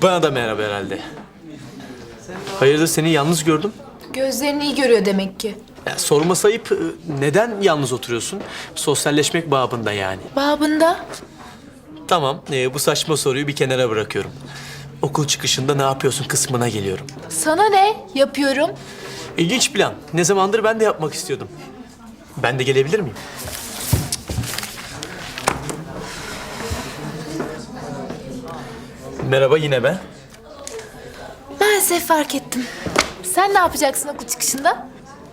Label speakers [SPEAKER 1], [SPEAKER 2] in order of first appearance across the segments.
[SPEAKER 1] Bana da merhaba herhalde. Hayırdır seni yalnız gördüm.
[SPEAKER 2] Gözlerini iyi görüyor demek ki.
[SPEAKER 1] Ya, sorması ayıp. Neden yalnız oturuyorsun? Sosyalleşmek babında yani.
[SPEAKER 2] Babında.
[SPEAKER 1] Tamam, bu saçma soruyu bir kenara bırakıyorum. Okul çıkışında ne yapıyorsun kısmına geliyorum.
[SPEAKER 2] Sana ne? Yapıyorum.
[SPEAKER 1] İlginç plan. Ne zamandır ben de yapmak istiyordum. Ben de gelebilir miyim? Merhaba, yine ben.
[SPEAKER 2] Maalesef fark ettim. Sen ne yapacaksın okul çıkışında?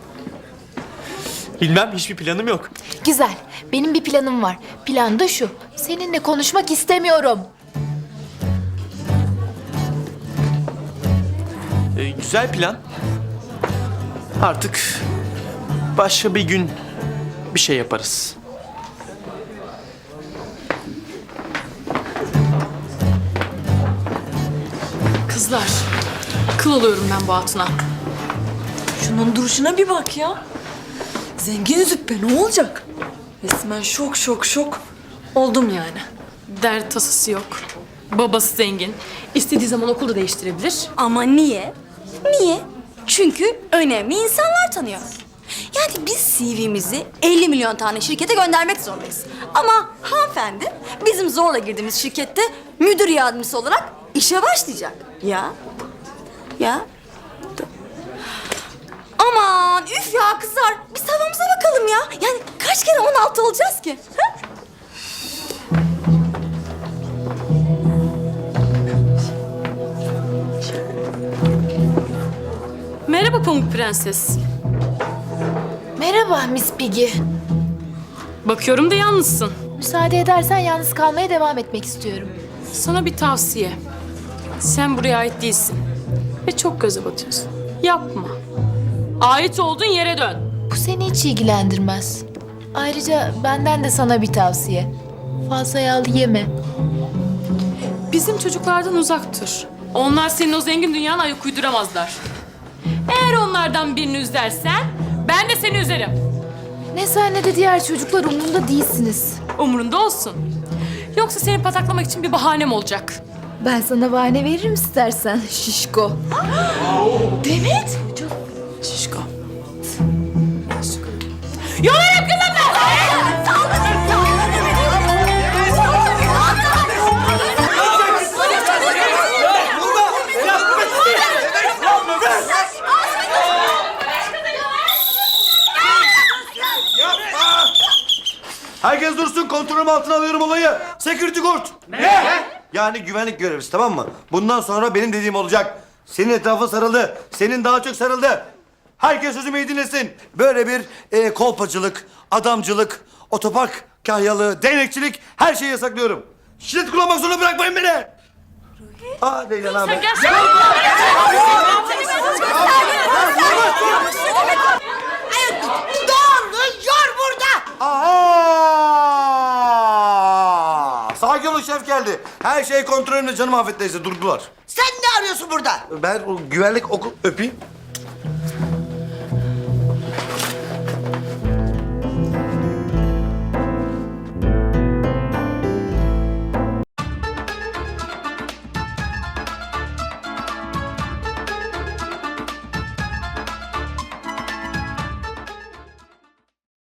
[SPEAKER 1] Bilmem, hiçbir planım yok.
[SPEAKER 2] Güzel. Benim bir planım var. Plan da şu. Seninle konuşmak istemiyorum.
[SPEAKER 1] Güzel plan. Artık başka bir gün bir şey yaparız.
[SPEAKER 3] Kızlar, kıl oluyorum ben bu hatuna.
[SPEAKER 4] Şunun duruşuna bir bak ya. Zengin züppe ne olacak? Resmen şok. Oldum yani.
[SPEAKER 3] Dert tasası yok. Babası zengin. İstediği zaman okulu değiştirebilir.
[SPEAKER 5] Ama niye? Niye? Çünkü önemli insanlar tanıyor. Yani biz CV'mizi 50 milyon tane şirkete göndermek zorundayız. Ama hanımefendi bizim zorla girdiğimiz şirkette müdür yardımcısı olarak işe başlayacak. Ya. Aman üf ya kızlar. Biz havamıza bakalım ya. Yani kaç kere 16 olacağız ki? Ha?
[SPEAKER 3] Merhaba Pamuk Prenses.
[SPEAKER 2] Merhaba Miss Piggy.
[SPEAKER 3] Bakıyorum da yalnızsın.
[SPEAKER 2] Müsaade edersen yalnız kalmaya devam etmek istiyorum.
[SPEAKER 3] Sana bir tavsiye. Sen buraya ait değilsin. Ve çok göze batıyorsun. Yapma. Ait olduğun yere dön.
[SPEAKER 2] Bu seni hiç ilgilendirmez. Ayrıca benden de sana bir tavsiye. Fazla yağlı yeme.
[SPEAKER 3] Bizim çocuklardan uzak dur. Onlar senin o zengin dünyana ayak uyduramazlar. Eğer onlardan birini üzersen ben de seni üzerim.
[SPEAKER 2] Ne sen ne de diğer çocuklar umurumda değilsiniz.
[SPEAKER 3] Umurunda olsun. Yoksa seni pataklamak için bir bahanem olacak.
[SPEAKER 2] Ben sana bahane veririm istersen şişko.
[SPEAKER 3] Demet. Şişko. Yolarım kızım ben!
[SPEAKER 6] Herkes dursun, kontrolüm altına alıyorum olayı. Security guard. Ne? Yani güvenlik görevlisi, tamam mı? Bundan sonra benim dediğim olacak. Senin etrafın sarıldı, senin daha çok sarıldı. Herkes sözümü iyi dinlesin. Böyle bir kolpacılık, adamcılık, otopark kahyalığı, değnekçilik her şeyi yasaklıyorum. Şiddet kullanmak zorunda bırakmayın beni. Aa Leyla abi.
[SPEAKER 3] Sen gel.
[SPEAKER 6] Aa! Sakin olun, şef geldi. Her şey kontrolümde, canım Afet teyze, durdular.
[SPEAKER 7] Sen ne arıyorsun burada?
[SPEAKER 6] Ben o güvenlik okul öpeyim.